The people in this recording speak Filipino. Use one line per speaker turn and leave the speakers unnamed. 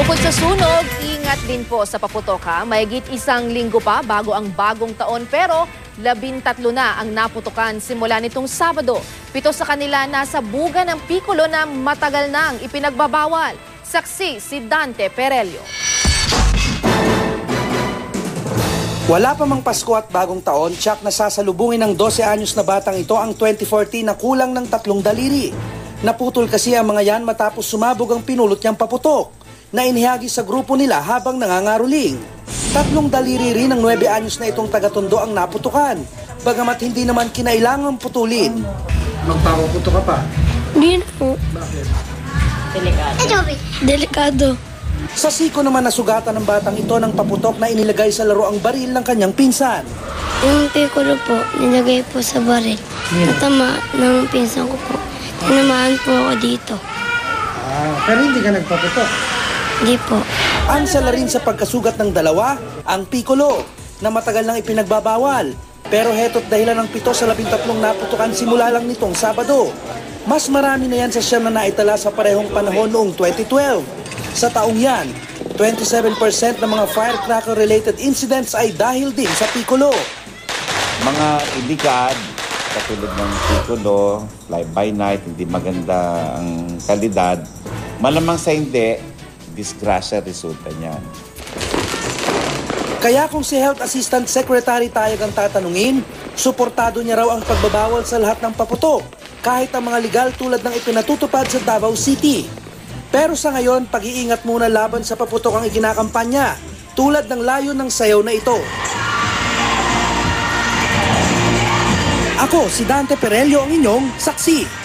Bukod sa sunog, ingat din po sa paputok ha. Mahigit isang linggo pa bago ang bagong taon pero 13 na ang naputukan simula nitong Sabado. 7 sa kanila nasa buga ng Piccolo na matagal nang ipinagbabawal. Saksi si Dante Perelio.
Wala pa mang Pasko at bagong taon, tiyak na sasalubungin ng 12 anyos na batang ito ang 2014 na kulang ng 3 daliri. Naputol kasi ang mga yan matapos sumabog ang pinulot niyang paputok na inihagi sa grupo nila habang nangangaruling. 3 daliri rin ng 9 anyos na itong taga-Tondo ang naputukan, bagamat hindi naman kinailangang putulin. Magpapaputo ka pa?
Hindi na po.
Bakit?
Delikado.
Sa siko naman nasugatan ng batang ito ng paputok na inilagay sa laro ang baril ng kanyang pinsan.
Yung Piccolo po, nilagay po sa baril. Natama ng pinsan ko po. Tinamaan po ako dito.
Pero hindi ka nagpaputok?
Hindi po.
Ang sala rin sa pagkasugat ng dalawa, ang Piccolo, na matagal nang ipinagbabawal. Pero heto't dahilan ng 7 sa 13 naputukan simula lang nitong Sabado. Mas marami na yan sa siyam na naitala sa parehong panahon noong 2012. Sa taong yan, 27% ng mga firecracker-related incidents ay dahil din sa Piccolo.
Mga ilikad, katulad ng Piccolo, fly-by-night, hindi maganda ang kalidad, malamang sa hindi, disgrasya resulta niyan.
Kaya kung si Health Assistant Secretary Tayag ang tatanungin, suportado niya raw ang pagbabawal sa lahat ng paputok, kahit ang mga legal tulad ng ipinatutupad sa Davao City. Pero sa ngayon, pag-iingat muna laban sa paputok ang ikinakampanya, tulad ng layo ng sayaw na ito. Ako, si Dante Perelio, ang inyong saksi.